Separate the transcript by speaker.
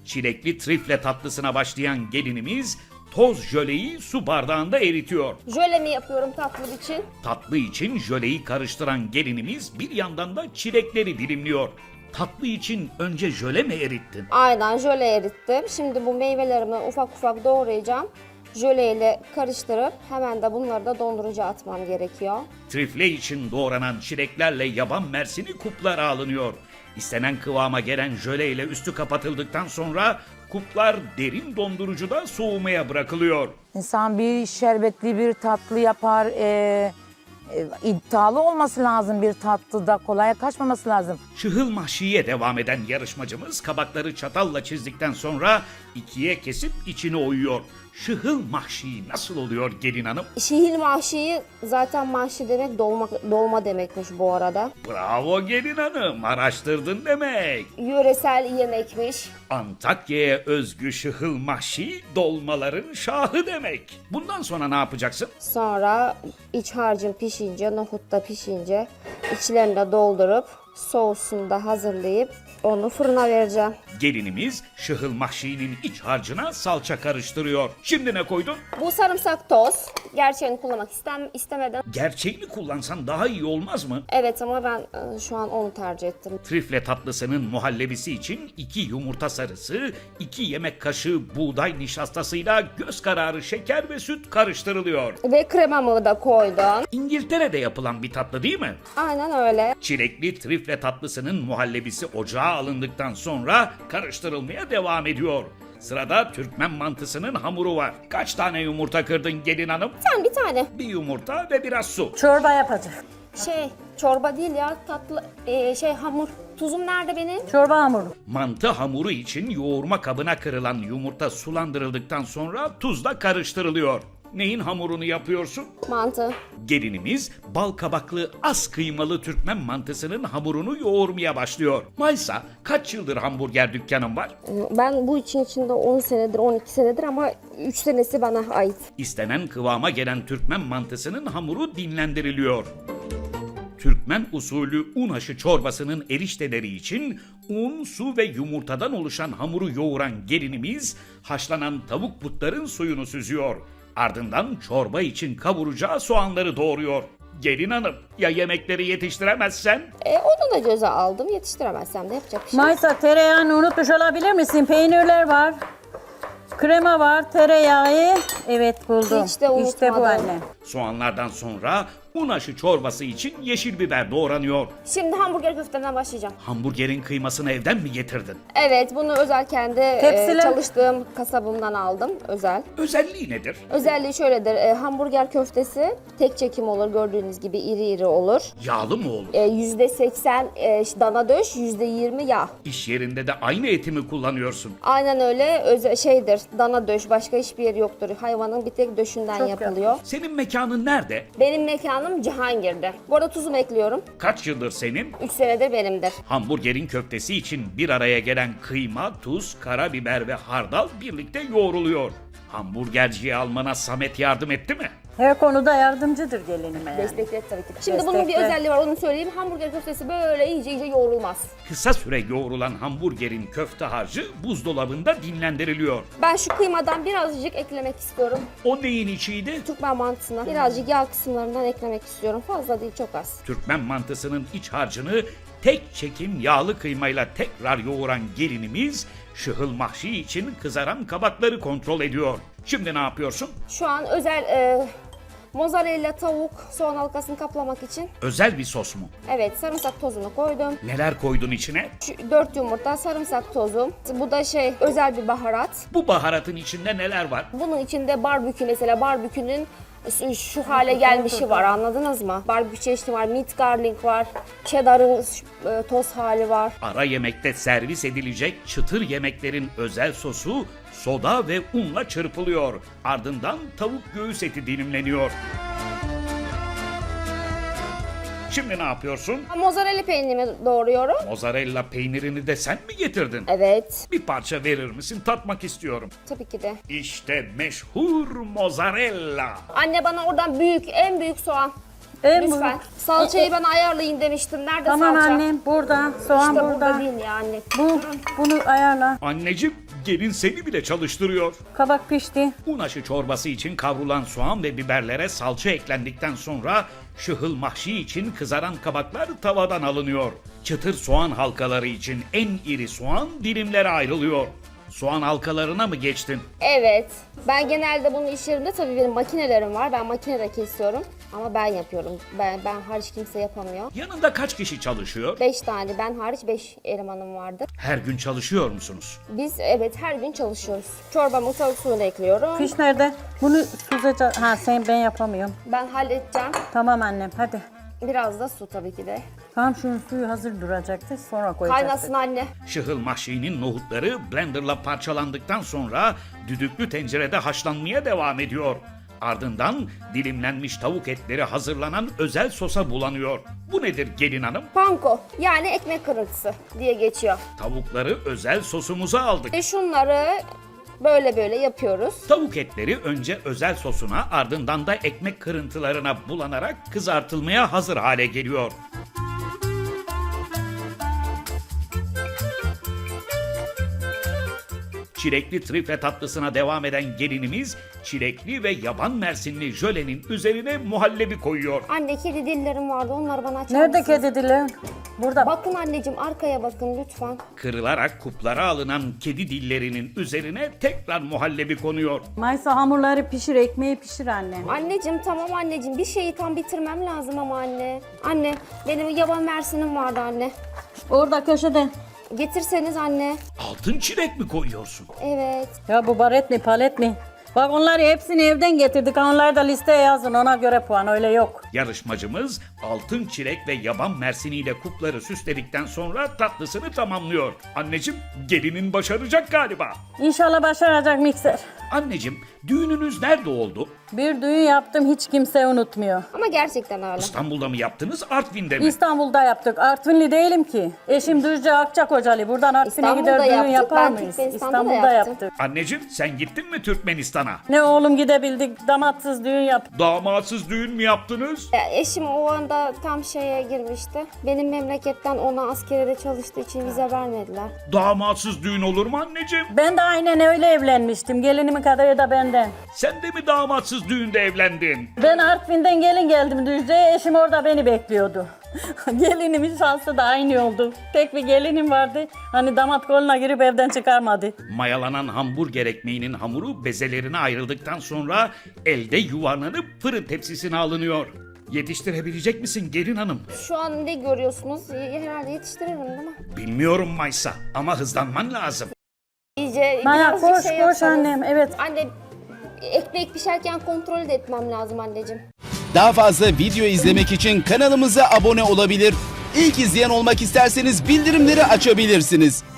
Speaker 1: Çilekli trifle tatlısına başlayan gelinimiz toz jöleyi su bardağında eritiyor.
Speaker 2: Jöle mi yapıyorum tatlı için?
Speaker 1: Tatlı için jöleyi karıştıran gelinimiz bir yandan da çilekleri dilimliyor. Tatlı için önce jöle mi erittin?
Speaker 2: Aynen jöle erittim. Şimdi bu meyvelerimi ufak ufak doğrayacağım. Jöleyle karıştırıp hemen de bunları da dondurucuya atmam gerekiyor.
Speaker 1: Trifle için doğranan çileklerle yaban mersini kuplara alınıyor. İstenen kıvama gelen jöle ile üstü kapatıldıktan sonra kuplar derin dondurucuda soğumaya bırakılıyor.
Speaker 3: İnsan bir şerbetli bir tatlı yapar. İddialı olması lazım bir tatlıda. Kolaya kaçmaması lazım.
Speaker 1: Şıhıl mahşiye devam eden yarışmacımız kabakları çatalla çizdikten sonra ikiye kesip içine oyuyor. Şıhıl mahşi nasıl oluyor gelin hanım?
Speaker 2: Şihil mahşiyi zaten mahşi demek dolma demekmiş bu arada.
Speaker 1: Bravo gelin hanım, araştırdın demek.
Speaker 2: Yöresel yemekmiş.
Speaker 1: Antakya'ya özgü şıhıl mahşi dolmaların şahı demek. Bundan sonra ne yapacaksın?
Speaker 2: Sonra iç harcım pişince, nohut da pişince içlerini de doldurup soğusunu da hazırlayıp onu fırına vereceğim.
Speaker 1: Gelinimiz şıhıl mahşinin iç harcına salça karıştırıyor. Şimdi ne koydun?
Speaker 2: Bu sarımsak toz. Gerçeğini kullanmak istemeden.
Speaker 1: Gerçeğini kullansan daha iyi olmaz mı?
Speaker 2: Evet ama ben şu an onu tercih ettim.
Speaker 1: Trifle tatlısının muhallebisi için 2 yumurta sarısı, 2 yemek kaşığı buğday nişastasıyla göz kararı şeker ve süt karıştırılıyor.
Speaker 2: Ve kremamı da koydum.
Speaker 1: İngiltere'de yapılan bir tatlı değil mi?
Speaker 2: Aynen öyle.
Speaker 1: Çilekli trifle tatlısının muhallebisi ocağa alındıktan sonra karıştırılmaya devam ediyor. Sırada Türkmen mantısının hamuru var. Kaç tane yumurta kırdın gelin hanım?
Speaker 2: Bir tane.
Speaker 1: Bir yumurta ve biraz su.
Speaker 3: Çorba yapacak.
Speaker 2: Çorba değil ya tatlı hamur. Tuzum nerede benim?
Speaker 3: Çorba hamuru.
Speaker 1: Mantı hamuru için yoğurma kabına kırılan yumurta sulandırıldıktan sonra tuzla karıştırılıyor. Neyin hamurunu yapıyorsun?
Speaker 2: Mantı.
Speaker 1: Gelinimiz bal kabaklı az kıymalı Türkmen mantısının hamurunu yoğurmaya başlıyor. Maysa kaç yıldır hamburger dükkanın var?
Speaker 2: Ben bu için içinde 10 senedir, 12 senedir ama 3 senesi bana ait.
Speaker 1: İstenen kıvama gelen Türkmen mantısının hamuru dinlendiriliyor. Türkmen usulü un aşı çorbasının erişteleri için un, su ve yumurtadan oluşan hamuru yoğuran gelinimiz haşlanan tavuk butların suyunu süzüyor. Ardından çorba için kavuracağı soğanları doğruyor. Gelin hanım, ya yemekleri yetiştiremezsen?
Speaker 2: Onu da göze aldım. Yetiştiremezsem de yapacak bir şey yok.
Speaker 3: Maysa tereyağını unutmuş olabilir misin? Peynirler var. Krema var, tereyağı. Evet buldum.
Speaker 2: Hiç de
Speaker 3: İşte bu
Speaker 2: unutmadım.
Speaker 3: anne.
Speaker 1: Soğanlardan sonra un aşı çorbası için yeşil biber doğranıyor.
Speaker 2: Şimdi hamburger köfteden başlayacağım.
Speaker 1: Hamburgerin kıymasını evden mi getirdin?
Speaker 2: Evet, bunu özel kendi
Speaker 3: Tepsiler.
Speaker 2: çalıştığım kasabımdan aldım. Özel.
Speaker 1: Özelliği nedir?
Speaker 2: Özelliği şöyledir. Hamburger köftesi tek çekim olur. Gördüğünüz gibi iri iri olur.
Speaker 1: Yağlı mı olur?
Speaker 2: %80 dana döş, %20 yağ.
Speaker 1: İş yerinde de aynı eti mi kullanıyorsun?
Speaker 2: Aynen öyle. Dana döş. Başka hiçbir yeri yoktur. Hayvanın bir tek döşünden yapılıyor.
Speaker 1: Senin mekanın nerede?
Speaker 2: Benim mekanım Cihangir'de. Bu arada tuzumu ekliyorum.
Speaker 1: Kaç yıldır senin?
Speaker 2: 3 senedir benimdir.
Speaker 1: Hamburgerin köftesi için bir araya gelen kıyma, tuz, karabiber ve hardal birlikte yoğruluyor. Hamburgerciyi almana Samet yardım etti mi?
Speaker 3: Her konuda yardımcıdır gelinime yani.
Speaker 2: Destekler tabii ki. Şimdi bunun bir
Speaker 3: Destekler.
Speaker 2: özelliği var, onu söyleyeyim. Hamburger köftesi böyle iyice yoğrulmaz.
Speaker 1: Kısa süre yoğrulan hamburgerin köfte harcı buzdolabında dinlendiriliyor.
Speaker 2: Ben şu kıymadan birazcık eklemek istiyorum.
Speaker 1: O neyin içiydi?
Speaker 2: Türkmen mantısına birazcık yağ kısımlarından eklemek istiyorum. Fazla değil, çok az.
Speaker 1: Türkmen mantısının iç harcını tek çekim yağlı kıymayla tekrar yoğuran gelinimiz şıhıl mahşi için kızaran kabakları kontrol ediyor. Şimdi ne yapıyorsun?
Speaker 2: Şu an özel mozzarella tavuk soğan halkasını kaplamak için.
Speaker 1: Özel bir sos mu?
Speaker 2: Evet, sarımsak tozunu koydum.
Speaker 1: Neler koydun içine?
Speaker 2: 4 yumurta, sarımsak tozu. Bu da özel bir baharat.
Speaker 1: Bu baharatın içinde neler var?
Speaker 2: Bunun içinde barbekü, mesela barbekünün şu hale gelmişi var, anladınız mı? Barbekü çeşidi var, meat garlic var, cheddar'ın toz hali var.
Speaker 1: Ara yemekte servis edilecek çıtır yemeklerin özel sosu soda ve unla çırpılıyor. Ardından tavuk göğüs eti dilimleniyor. Şimdi ne yapıyorsun?
Speaker 2: Mozzarella peynirimi doğruyorum.
Speaker 1: Mozzarella peynirini de sen mi getirdin?
Speaker 2: Evet,
Speaker 1: Bir parça verir misin? Tatmak istiyorum.
Speaker 2: tabii ki de.
Speaker 1: İşte meşhur mozzarella.
Speaker 2: Anne bana oradan en büyük soğan Lütfen. Salçayı ben ayarlayın demiştim. Nerede
Speaker 3: Tamam
Speaker 2: salça?
Speaker 3: annem burada. Soğan
Speaker 2: İşte
Speaker 3: burada.
Speaker 2: değil yani.
Speaker 3: Bunu ayarla.
Speaker 1: Anneciğim, gelin seni bile çalıştırıyor.
Speaker 3: Kabak pişti.
Speaker 1: Un aşı çorbası için kavrulan soğan ve biberlere salça eklendikten sonra şıhıl mahşi için kızaran kabaklar tavadan alınıyor. Çıtır soğan halkaları için en iri soğan dilimlere ayrılıyor. Soğan halkalarına mı geçtin?
Speaker 2: Evet. Ben genelde bunu iş yerimde tabii benim makinelerim var. Ben makinede kesiyorum. Ama ben yapıyorum. Ben hariç kimse yapamıyor.
Speaker 1: Yanında kaç kişi çalışıyor?
Speaker 2: 5 tane. Ben hariç 5 elemanım vardı.
Speaker 1: Her gün çalışıyor musunuz?
Speaker 2: Biz evet her gün çalışıyoruz. Çorbamı tavuk suyuna ekliyorum.
Speaker 3: Fiş nerede? Bunu süzeceğiz. Ha ben yapamıyorum.
Speaker 2: Ben halledeceğim.
Speaker 3: Tamam annem hadi.
Speaker 2: Biraz da su tabii ki de.
Speaker 3: Tamam şunun suyu hazır duracaktı sonra koyacaktık.
Speaker 2: Kaynasın anne.
Speaker 1: Şıhıl mahşinin nohutları blenderla parçalandıktan sonra düdüklü tencerede haşlanmaya devam ediyor. Ardından dilimlenmiş tavuk etleri hazırlanan özel sosa bulanıyor. Bu nedir gelin hanım?
Speaker 2: Panko yani ekmek kırıntısı diye geçiyor.
Speaker 1: Tavukları özel sosumuza aldık.
Speaker 2: Şunları böyle yapıyoruz.
Speaker 1: Tavuk etleri önce özel sosuna ardından da ekmek kırıntılarına bulanarak kızartılmaya hazır hale geliyor. Çilekli trifle tatlısına devam eden gelinimiz çilekli ve yaban mersinli jölenin üzerine muhallebi koyuyor.
Speaker 2: Anne kedi dillerim vardı onları bana açar
Speaker 3: Nerede
Speaker 2: mısın?
Speaker 3: kedi dili? Burada.
Speaker 2: Bakın anneciğim arkaya bakın lütfen.
Speaker 1: Kırılarak kuplara alınan kedi dillerinin üzerine tekrar muhallebi konuyor.
Speaker 3: Maysa hamurları pişir, ekmeği pişir annem.
Speaker 2: Anneciğim tamam anneciğim bir şeyi tam bitirmem lazım ama anne. Anne benim yaban mersinim vardı anne.
Speaker 3: Orada köşede.
Speaker 2: Getirseniz anne.
Speaker 1: Altın çilek mi koyuyorsun?
Speaker 2: Evet.
Speaker 3: Ya bu baret mi palet mi? Bak onları hepsini evden getirdik. Onları da listeye yazın ona göre puan öyle yok.
Speaker 1: Yarışmacımız altın çilek ve yaban mersiniyle kupları süsledikten sonra tatlısını tamamlıyor. Anneciğim, gelinin başaracak galiba.
Speaker 3: İnşallah başaracak mikser.
Speaker 1: Anneciğim, düğününüz nerede oldu?
Speaker 3: Bir düğün yaptım hiç kimse unutmuyor.
Speaker 2: Ama gerçekten öyle.
Speaker 1: İstanbul'da mı yaptınız, Artvin'de mi?
Speaker 3: İstanbul'da yaptık. Artvinli değilim ki. Eşim Düzce Akçakocalı. Buradan Artvin'e
Speaker 2: İstanbul'da
Speaker 3: gider düğün
Speaker 2: yaptık.
Speaker 3: yapar
Speaker 2: Ben
Speaker 3: mıyız?
Speaker 2: Türkmenistan'da da
Speaker 3: İstanbul'da
Speaker 2: yaptım.
Speaker 3: yaptık.
Speaker 1: Anneciğim, sen gittin mi Türkmenistan'a?
Speaker 3: Ne oğlum gidebildik. Damatsız düğün yaptık.
Speaker 1: Damatsız düğün mü yaptınız?
Speaker 2: Eşim o anda tam şeye girmişti. Benim memleketten ona askerede çalıştığı için vize vermediler.
Speaker 1: Damatsız düğün olur mu anneciğim?
Speaker 3: Ben de aynen öyle evlenmiştim. Gelinimin kadarı da benden.
Speaker 1: Sen de mi damatsız düğünde evlendin?
Speaker 3: Ben Artvin'den gelin geldim Düzce'ye. Eşim orada beni bekliyordu. Gelinimin şansı da aynı oldu. Tek bir gelinim vardı. Hani damat koluna girip evden çıkarmadı.
Speaker 1: Mayalanan hamburger ekmeğinin hamuru bezelerine ayrıldıktan sonra elde yuvarlanıp fırın tepsisine alınıyor. Yetiştirebilecek misin gelin hanım?
Speaker 2: Şu an ne görüyorsunuz? Herhalde yetiştiririm değil mi?
Speaker 1: Bilmiyorum Maysa ama hızlanman lazım.
Speaker 2: İyice
Speaker 3: Maya
Speaker 2: birazcık
Speaker 3: koş
Speaker 2: şey
Speaker 3: koş
Speaker 2: yapsanız.
Speaker 3: annem. Evet.
Speaker 2: Anne ekmek pişerken kontrol de etmem lazım anneciğim.
Speaker 4: Daha fazla video izlemek için kanalımıza abone olabilir. İlk izleyen olmak isterseniz bildirimleri açabilirsiniz.